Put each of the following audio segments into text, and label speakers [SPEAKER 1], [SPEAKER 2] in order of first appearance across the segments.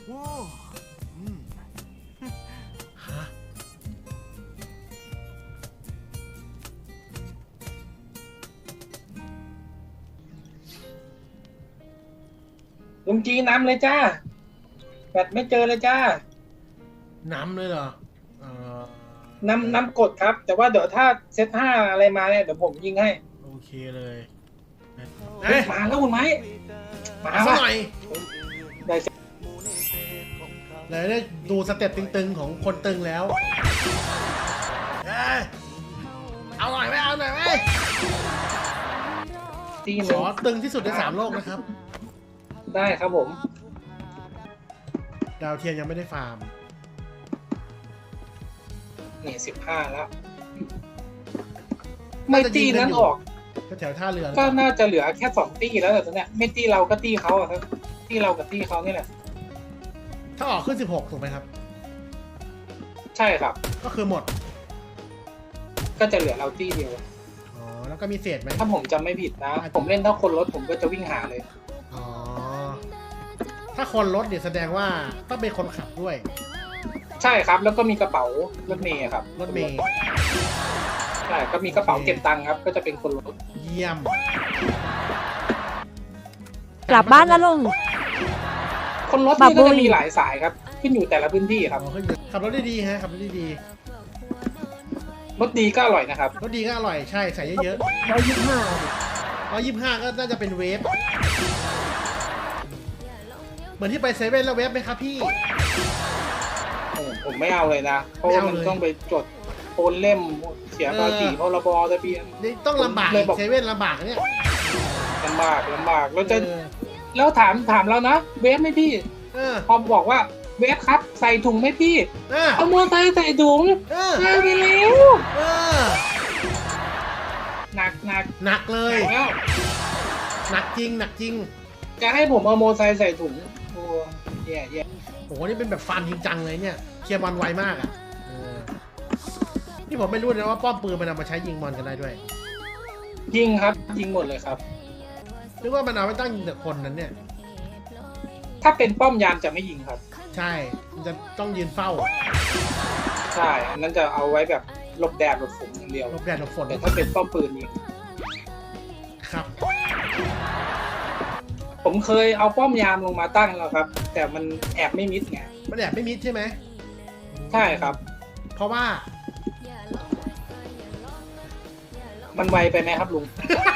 [SPEAKER 1] โอ้ฮะ
[SPEAKER 2] ลุงจีน้ำเลยจ้าแบตไม่เจอเลยจ้า
[SPEAKER 1] น้ำเลยเหรอ
[SPEAKER 2] น้ำกดครับ แต่ว่าเดี๋ยวถ้าเซต5อะไรมาเนี่ยเดี๋ยวผมยิงให้
[SPEAKER 1] โอเคเลย
[SPEAKER 2] มาแล้วคุณไม้มา
[SPEAKER 1] สัก
[SPEAKER 2] ว่ะ
[SPEAKER 1] หน่อย
[SPEAKER 2] ได้
[SPEAKER 1] เลยได้ดูสเต็ปตึงๆของคนตึงแล้วเอาหน่อยไหมเอาหน่อยไหม
[SPEAKER 2] ตีห
[SPEAKER 1] ข
[SPEAKER 2] นึ่ง
[SPEAKER 1] อตึงที่สุดใน3 โลกนะครับ
[SPEAKER 2] ได้ครับผม
[SPEAKER 1] ดาวเทียมยังไม่ได้ฟาร์ม
[SPEAKER 2] นี่15แล้ว ไม่ตีนั้นออก
[SPEAKER 1] ก็แถวท่าเรือ
[SPEAKER 2] ก็น่าจะเหลือแค่2ตีแล้วแต่ตอนเนี้ยไม่ตีเราก็ตีเขาอะครับตีเรากับตีเขานี่แหละ
[SPEAKER 1] ถ้าออกขึ้น16ถูกไหมครับ
[SPEAKER 2] ใช่ครับ
[SPEAKER 1] ก็คือหมด
[SPEAKER 2] ก็จะเหลือเราตีเดียว
[SPEAKER 1] อ๋อแล้วก็มีเศษไหม
[SPEAKER 2] ถ้าผมจำไม่ผิดนะ ผมเล่นถ้าคนรถผมก็จะวิ่งหาเลย
[SPEAKER 1] อ๋อถ้าคนรถเนี่ยแสดงว่าต้องเป็นคนขับด้วย
[SPEAKER 2] ใช่ครับ แล้วก็มีกระเป๋ารถเมย์ครับ
[SPEAKER 1] รถเมย์
[SPEAKER 2] ใช่ก็มีกระเป๋าเก็บตังค์ครับ ก็จะเป็นคนรถ
[SPEAKER 1] เยี่ยม
[SPEAKER 3] กลับบ้านแล้วลุง
[SPEAKER 2] คนรถนี่ก็จะมีหลายสายครับ ขึ้นอยู่แต่ละพื้นที่ครับ
[SPEAKER 1] อ๋อขับรถได้ดีฮะขับรถได้ดี
[SPEAKER 2] รถดีก็อร่อยนะครับ
[SPEAKER 1] รถดีก็อร่อยใช่ใส่เยอะ125ก็น่าจะเป็นเวฟเหมือนที่ไปเซเว่นแล้วเวฟไหมครับพี่
[SPEAKER 2] ผมไม่เอาเลยนะ เพราะว่ามันต้องไปจดโอนเล่มเสียภาษีพรบทะเบียน
[SPEAKER 1] นี่ต้องลำบาก
[SPEAKER 2] เลยบอก
[SPEAKER 1] เซเว่นลำบากนะเนี่ย
[SPEAKER 2] ลำบากแล้วจะ
[SPEAKER 1] เออ
[SPEAKER 2] แล้วถามเรานะเวฟไหมพี่
[SPEAKER 1] เออ
[SPEAKER 2] พอบอกว่าเวฟครับใส่ถุงไหมพี่
[SPEAKER 1] เออ
[SPEAKER 2] เอามอเตอร์ไซค์ใส่ถุง
[SPEAKER 1] เออ
[SPEAKER 2] ใส่ไปแล้ว
[SPEAKER 1] เออ
[SPEAKER 2] หนัก
[SPEAKER 1] หนักเลย
[SPEAKER 2] แล้ว
[SPEAKER 1] หนักจริงหนักจริง
[SPEAKER 2] จะให้ผมเอามอเตอร์ไซค์ใส่ถุงโอ้แย่
[SPEAKER 1] โอ้โหนี่เป็นแบบฟันจริงจังเลยเนี่ยเคลียร์บอลไวมากอ่ะเออนี่ผมไม่รู้นะว่าป้อมปืนมันเอามาใช้ยิงบอลกันได้ด้วย
[SPEAKER 2] ยิงครับยิงหมดเลยครับ
[SPEAKER 1] นึกว่ามันเอาไว้ตั้งยิงแต่คนนั้นเนี่ย
[SPEAKER 2] ถ้าเป็นป้อมยามจะไม่ยิงครับ
[SPEAKER 1] ใช่มันจะต้องยืนเฝ้า
[SPEAKER 2] ใช่อันนั้นจะเอาไว้แบบหลบแดดหลบฝนอย่างเดียว
[SPEAKER 1] หลบแดดหลบฝน
[SPEAKER 2] แต่ถ้าเป็นป้อมปืนยิง
[SPEAKER 1] ครับ
[SPEAKER 2] ผมเคยเอาป้อมยามลงมาตั้งแล้วครับ แต่มันแอบไม่มิดไง
[SPEAKER 1] มันแอบไม่มิดใช่ไหม
[SPEAKER 2] ใช่ครับ
[SPEAKER 1] เพราะว่า
[SPEAKER 2] มันไวไปไหมครับลุง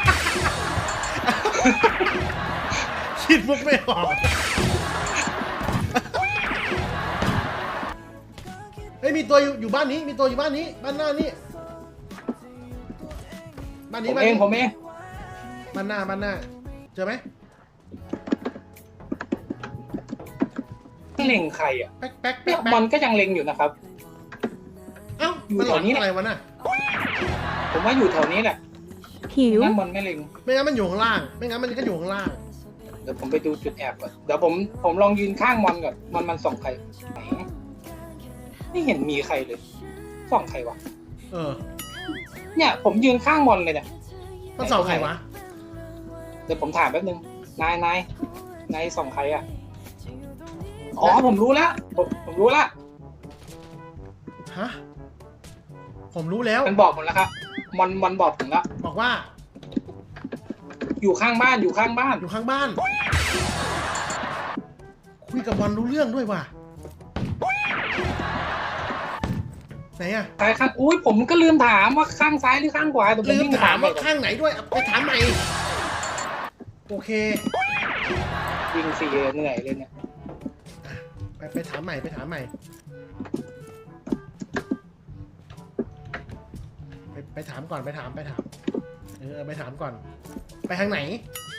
[SPEAKER 1] คิดมุกไม่ออกเฮ้ยมีตัวอยู่บ้านนี้มีตัวอยู่บ้านนี้บ้านหน้านี้บ้าน
[SPEAKER 2] ผ
[SPEAKER 1] นี้
[SPEAKER 2] ม
[SPEAKER 1] บ้าน
[SPEAKER 2] เอง
[SPEAKER 1] นี้
[SPEAKER 2] ผมเอง
[SPEAKER 1] บ้านหน้าเจอไหม
[SPEAKER 2] เล็งใครอ่ะ
[SPEAKER 1] แป๊กแป๊ก
[SPEAKER 2] เนี่
[SPEAKER 1] แป๊
[SPEAKER 2] ย
[SPEAKER 1] ก
[SPEAKER 2] มันก็ยังเล็งอยู่นะครับ
[SPEAKER 1] เอ้า
[SPEAKER 2] อยู่
[SPEAKER 1] มันหลอน
[SPEAKER 2] แถวนี้แหละ
[SPEAKER 1] อะไรวะน่ะ
[SPEAKER 2] ผมว่าอยู่แถวนี้แหละ
[SPEAKER 3] หิว
[SPEAKER 2] นั่นมันไม่เล็ง
[SPEAKER 1] ไม่งั้นมันอยู่ข้างล่างไม่งั้นมันก็อยู่ข้างล่าง
[SPEAKER 2] เดี๋ยวผมไปดูจุดแอบก่อนเดี๋ยวผมลองยืนข้างมอนก่อนมันส่องใครไหนไม่เห็นมีใครเลยส่องใครวะ
[SPEAKER 1] เออ
[SPEAKER 2] เนี่ยผมยืนข้างมอนเลยเนี่ย
[SPEAKER 1] มันสองใครวะ
[SPEAKER 2] เดี๋ยวผมถามแป๊บนึงนายส่องใครอ่ะอ๋อผมรู้แล้วผมรู้แล้ว
[SPEAKER 1] ฮะผมรู้แล้ว
[SPEAKER 2] มันบอกผมแล้วครับมันบอกผมแล้ว
[SPEAKER 1] บอกว่า
[SPEAKER 2] อยู่ข้างบ้านอยู่ข้างบ้าน
[SPEAKER 1] อยู่ข้างบ้าน คุยกับบอลรู้เรื่องด้วยว่ะไหนอะ
[SPEAKER 2] ซ้ายข้างอุ้ยผมก็ลืมถามว่าข้างซ้ายหรือข้างขวาแต่ผม
[SPEAKER 1] ลืม
[SPEAKER 2] วิ่ง
[SPEAKER 1] ถามว่า
[SPEAKER 2] ไปก่อน
[SPEAKER 1] ข้างไหนด้วยไปถามใหม่โอเค
[SPEAKER 2] วิ่งสี่เหนื่อยเลยเนี่ย
[SPEAKER 1] ไปถามใหม่ไปถามใหม่ไปถามก่อนไปถามเออไปถามก่อน ไปทางไหน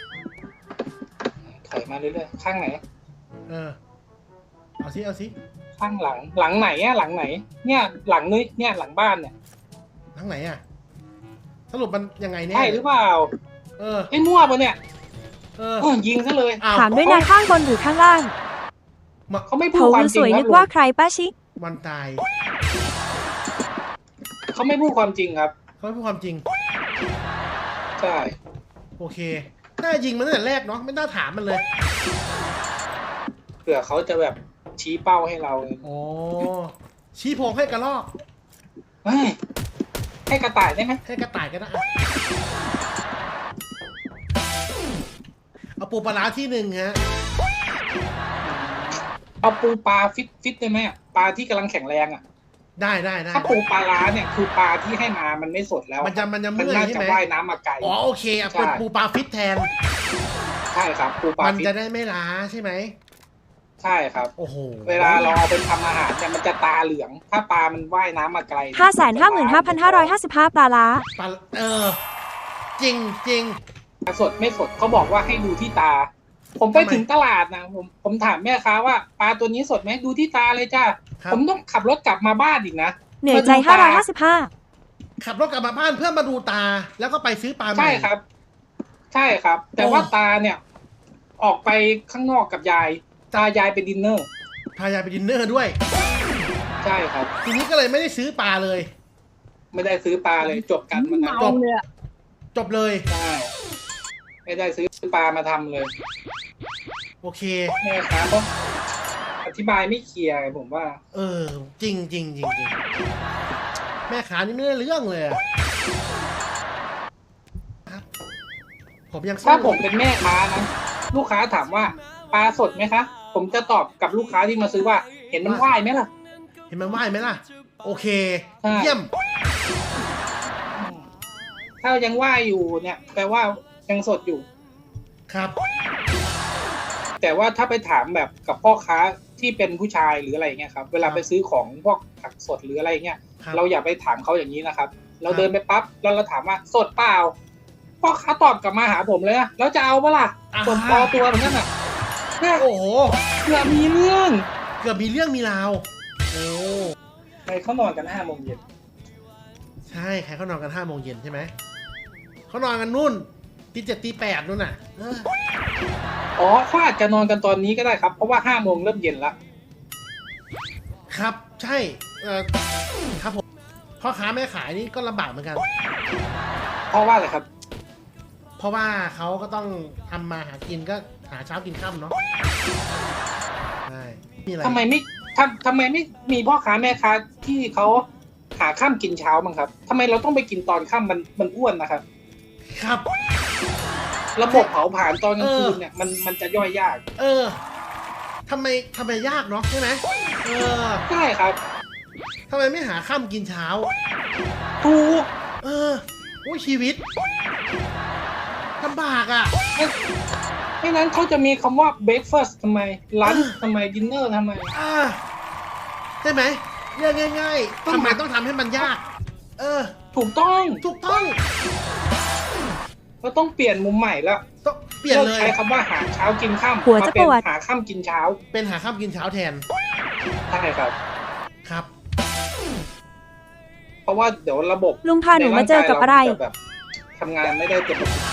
[SPEAKER 2] ถอยมาเรื่อยๆข้างไหน
[SPEAKER 1] เออเอาสิ
[SPEAKER 2] ข้างหลังไหนอะหลังไหน เนี่ยหลังนี้เนี่ยหลังบ้านเนี่ย
[SPEAKER 1] ทางไหนอะสรุปมันยังไงเนี่ย
[SPEAKER 2] ใช่หรือเปล่า
[SPEAKER 1] เออ
[SPEAKER 2] ไอ้มั่วปะเนี่ย
[SPEAKER 1] เออ
[SPEAKER 2] ยิงซะเลย
[SPEAKER 1] อ้าว
[SPEAKER 3] ถามด้วยนะข้างบนหรือข้างล่าง
[SPEAKER 2] เขาไม่พูด
[SPEAKER 3] เขา
[SPEAKER 2] ความ
[SPEAKER 3] ดู
[SPEAKER 2] จ
[SPEAKER 3] ส
[SPEAKER 2] ริง
[SPEAKER 3] วย
[SPEAKER 2] ค
[SPEAKER 3] นึ
[SPEAKER 2] รับ
[SPEAKER 3] กว่าใครป้าชิ
[SPEAKER 1] วันตาย
[SPEAKER 2] เขาไม่พูดความจริงครับ
[SPEAKER 1] เขาไม่พูดความจริง
[SPEAKER 2] ใช่
[SPEAKER 1] โอเคน่ายิงมันตั้งแต่แรกเนาะไม่น่าถามมันเลย
[SPEAKER 2] เผื่อเขาจะแบบชี้เป้าให้เราเลย
[SPEAKER 1] โอ้ชี้โพงให้กระรอก
[SPEAKER 2] เฮ้ยให้กระต่ายได้ไหม
[SPEAKER 1] ให้กระต่ายก็ได้อะเอาปูปลาร้าที่หนึ่งฮะ
[SPEAKER 2] เอาปูปลาฟิตได้ไหมอะปลาที่กำลังแข็งแรงอ่ะ
[SPEAKER 1] ได้
[SPEAKER 2] ถ้าปูปลาร้าเนี่ยคือปลาที่ให้มามันไม่สดแล้ว
[SPEAKER 1] มันจะ
[SPEAKER 2] มัน
[SPEAKER 1] เมื่อย
[SPEAKER 2] น่า
[SPEAKER 1] ใช่
[SPEAKER 2] จะ
[SPEAKER 1] ไหม
[SPEAKER 2] ว่ายน้ำมาไกล
[SPEAKER 1] อ๋อโอเคอ่ะเป็น
[SPEAKER 2] ใช่
[SPEAKER 1] ปูปลาฟิตแทน
[SPEAKER 2] ใช่ครับปูปลา
[SPEAKER 1] มัน
[SPEAKER 2] ฟิต
[SPEAKER 1] จะได้ไม่ล้าใช่ไหม
[SPEAKER 2] ใช่ครับ
[SPEAKER 1] โอ้โห
[SPEAKER 2] เวลาเราเอาไปทำอาหารเนี่ยมันจะตาเหลือง ถ้าปลามันว่ายน้ำมาไกล
[SPEAKER 3] 555,555 ปลาล้า
[SPEAKER 1] ปลาจริง
[SPEAKER 2] สดไม่สดเขาบอกว่าให้ดูที่ตา ผมไป
[SPEAKER 1] ทำไม
[SPEAKER 2] ถึงตลาดนะผมถามแม่ค้าว่าปลาตัวนี้สดไหมดูที่ตาเลยจ้า
[SPEAKER 1] ครับ
[SPEAKER 2] ผมต้องขับรถกลับมาบ้านอีกนะ
[SPEAKER 3] เหนื่อยใจ 555
[SPEAKER 1] ขับรถกลับมาบ้านเพื่อมาดูตา แล้วก็ไปซื้อปลาใหม่
[SPEAKER 2] ใช่ครับ ใช่ครับ แต่ว่าตาเนี่ย ออกไปข้างนอกกับยายตายายไปดินเนอร์
[SPEAKER 1] พายายไปดินเนอร์ด้วย
[SPEAKER 2] ใช่ครับ
[SPEAKER 1] ทีนี้ก็เลยไม่ได้ซื้อปลาเลย
[SPEAKER 2] ไม่ได้ซื้อปลาเลยจบกันมันนะ
[SPEAKER 1] จบจบเลย
[SPEAKER 2] ใช่ไม่ได้ซื้อปลามาทำเลย
[SPEAKER 1] โอเค
[SPEAKER 2] แม่ค้าก็อธิบายไม่เคลียร์ผมว่า
[SPEAKER 1] จริงแม่ขานี่ไม่ได้เรื่องเลยอะครับผมยังสู้
[SPEAKER 2] ถ้าผมเป็นแม่ค้านะลูกค้าถามว่าปลาสดไหมคะ ผมจะตอบกับลูกค้าที่มาซื้อว่า เห็นมันว่ายไหมล่ะ
[SPEAKER 1] เห็นมันว่ายไหมล่ะ โอเค
[SPEAKER 2] ใช่
[SPEAKER 1] เยี่ยม
[SPEAKER 2] ถ้ายังว่ายอยู่เนี่ยแปลว่ายังสดอยู่
[SPEAKER 1] ครับ
[SPEAKER 2] แต่ว่าถ้าไปถามแบบกับพ่อค้าที่เป็นผู้ชายหรืออะไรเงี้ยครับ เวลาไปซื้อของพวกผักสดหรืออะไรเงี้ย
[SPEAKER 1] ครับ
[SPEAKER 2] เราอย่าไปถามเขาอย่างนี้นะครับ เรา
[SPEAKER 1] ครับ
[SPEAKER 2] เดินไปปั๊บแล้วเราถามว่าสดเปล่าพ่อค้าตอบกลับมาหาผมเลยนะแล้วจะเอาปะล่ะสดพอตัวเหมือนกันน่ะเนี่ย
[SPEAKER 1] โอ้โห
[SPEAKER 2] เกือบมีเรื่อง
[SPEAKER 1] เกือบมีเรื่องมีราว โอ้
[SPEAKER 2] ไปเขานอนกัน5 โมงเย็น
[SPEAKER 1] ใช่ใครเขานอนกัน5 โมงเย็นใช่ไหม เขานอนกันนู่นตี7ตี8นู่นน่ะ
[SPEAKER 2] อ๋อเขาอาจจะนอนกันตอนนี้ก็ได้ครับเพราะว่า5 โมงเริ่มเย็นละ
[SPEAKER 1] ครับ ใช่ครับผมพ่อค้าแม่ขายนี่ก็ลำบากเหมือนกัน
[SPEAKER 2] เพราะว่าอะไรครับ
[SPEAKER 1] เพราะว่าเขาก็ต้องทำมาหากินก็หาเช้ากินค่ำเนาะใช่มีอะไร
[SPEAKER 2] ทำไมไม่มีพ่อค้าแม่ค้าที่เขาหาข้ามกินเช้ามั้งครับทำไมเราต้องไปกินตอนค่ำมันอ้วนนะครับ
[SPEAKER 1] ครับ
[SPEAKER 2] ระบบเผาผลาญตอนกลางคืนเนี่ยมันจะย่อยยาก
[SPEAKER 1] ทำไมยากเนาะใช่ไหม
[SPEAKER 2] ใช่ครับ
[SPEAKER 1] ทำไมไม่หาค่ำกินเช้า
[SPEAKER 2] ถูก
[SPEAKER 1] โอ้ยชีวิตลำบากอ่ะ
[SPEAKER 2] ไม่นั้นเขาจะมีคำว่า breakfast ทำไม lunch ทำไม dinner ทำไม
[SPEAKER 1] ใช่ไหมเรื่องง่ายๆทำไมต้องทำให้มันยาก
[SPEAKER 2] ถูกต้อง
[SPEAKER 1] ถูกต้อง
[SPEAKER 2] เราต้องเปลี่ยนมุมใหม่แล้ว
[SPEAKER 1] ต้องเปลี่ยนเลย
[SPEAKER 2] ใช้คำว่าหาเช้ากินค่ำ
[SPEAKER 3] หัว
[SPEAKER 2] มา
[SPEAKER 3] จะ
[SPEAKER 2] เป็น
[SPEAKER 3] ปวด
[SPEAKER 2] หาค่ำกินเช้า
[SPEAKER 1] เป็นหาค่ำกินเช้าแทน
[SPEAKER 2] ใช่ครับ
[SPEAKER 1] ครับ
[SPEAKER 2] เพราะว่าเดี๋ยวระบบ
[SPEAKER 3] ลุงพาหนูมาเจอกับอะไร
[SPEAKER 2] ในางกายเาจแบบทำงานไม่ได้เต็มประสิทธิ